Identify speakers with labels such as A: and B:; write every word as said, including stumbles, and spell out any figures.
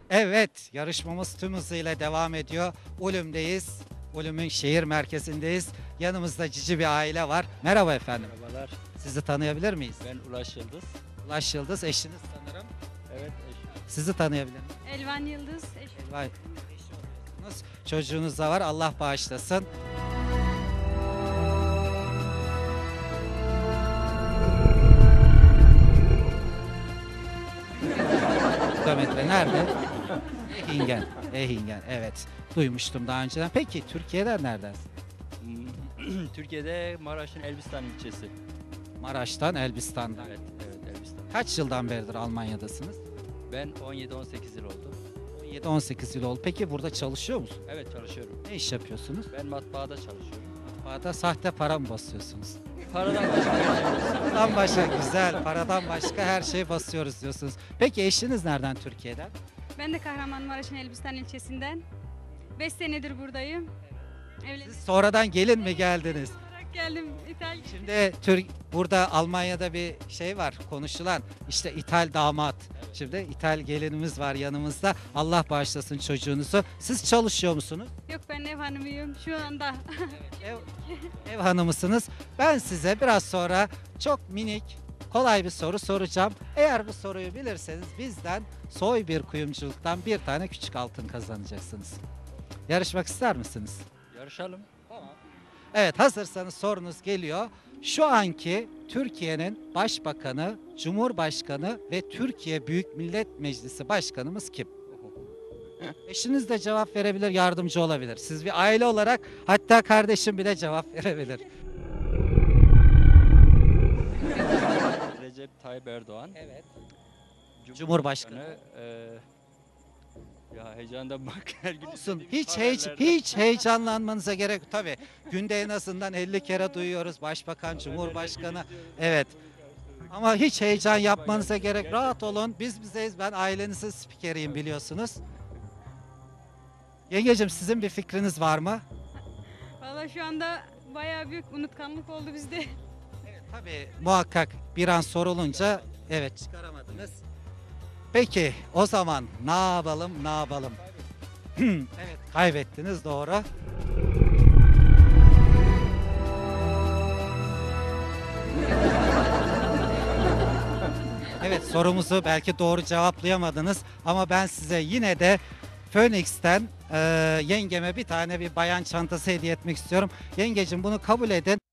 A: Evet, yarışmamız tüm hızıyla devam ediyor. Ulüm'deyiz. Ulüm'ün şehir merkezindeyiz. Yanımızda cici bir aile var. Merhaba efendim.
B: Merhabalar,
A: Sizi tanıyabilir miyiz?
B: ben Ulaş Yıldız.
A: Ulaş Yıldız, eşiniz sanırım.
B: Evet, eşim.
A: Sizi tanıyabilir miyim?
C: Elvan Yıldız. eşim.
A: Vay. Eşi Çocuğunuz da var. Allah bağışlasın. Kilometre nerede? Ehingen. Ehingen. Evet. Duymuştum daha önceden. Peki Türkiye'den nereden?
B: Hmm, Türkiye'de Maraş'ın Elbistan ilçesi.
A: Maraş'tan, Elbistan'dan.
B: Evet, evet Elbistan.
A: Kaç yıldan beridir Almanya'dasınız?
B: Ben on yedi on sekiz yıl oldu.
A: on yedi on sekiz yıl oldu. Peki burada çalışıyor musunuz?
B: Evet çalışıyorum.
A: Ne iş yapıyorsunuz?
B: Ben matbaada çalışıyorum.
A: Matbaada sahte para mı basıyorsunuz?
B: Paradan başka bir şey yok.
A: Paradan başka güzel, paradan başka her şeyi basıyoruz diyorsunuz. Peki eşiniz nereden Türkiye'den?
C: Ben de Kahramanmaraş'ın Elbistan ilçesinden. beş senedir buradayım. Evlendim.
A: Siz sonradan gelin mi geldiniz?
C: olarak geldim İtalya.
A: Şimdi Türk burada Almanya'da bir şey var konuşulan işte İthal damat. Şimdi İthal gelinimiz var yanımızda. Allah bağışlasın çocuğunuzu. Siz çalışıyor musunuz?
C: Yok, ben ev hanımıyım şu anda.
A: Ev, ev hanımısınız. Ben size biraz sonra çok minik, kolay bir soru soracağım. Eğer bu soruyu bilirseniz bizden soy bir kuyumculuktan bir tane küçük altın kazanacaksınız. Yarışmak ister misiniz?
B: Yarışalım.
A: Evet, hazırsanız sorunuz geliyor. Şu anki Türkiye'nin Başbakanı, Cumhurbaşkanı ve Türkiye Büyük Millet Meclisi Başkanımız kim? Eşiniz de cevap verebilir, yardımcı olabilir. Siz bir aile olarak hatta kardeşim bile cevap verebilir.
B: Recep Tayyip Erdoğan.
A: Evet. Cumhurbaşkanı.
B: eee, ya heyecandan bak her gün
A: Olsun.
B: istediğim
A: Hiç hiç
B: haberlerden-
A: hiç heyecanlanmanıza gerek yok. Tabii günde en azından elli kere duyuyoruz Başbakan, Cumhurbaşkanı. Evet. Ama hiç heyecan yapmanıza gerek. Rahat olun. Biz bizeyiz. Ben ailenizin spikeriyim biliyorsunuz. Yengecim sizin bir fikriniz var mı?
C: Valla şu anda bayağı büyük unutkanlık oldu bizde.
A: Tabii muhakkak bir an sorulunca evet çıkaramadınız. Peki o zaman ne yapalım ne yapalım? Evet kaybettiniz doğru. Evet sorumuzu belki doğru cevaplayamadınız ama ben size yine de Phoenix'ten e, yengeme bir tane bir bayan çantası hediye etmek istiyorum. Yengecim bunu kabul edin.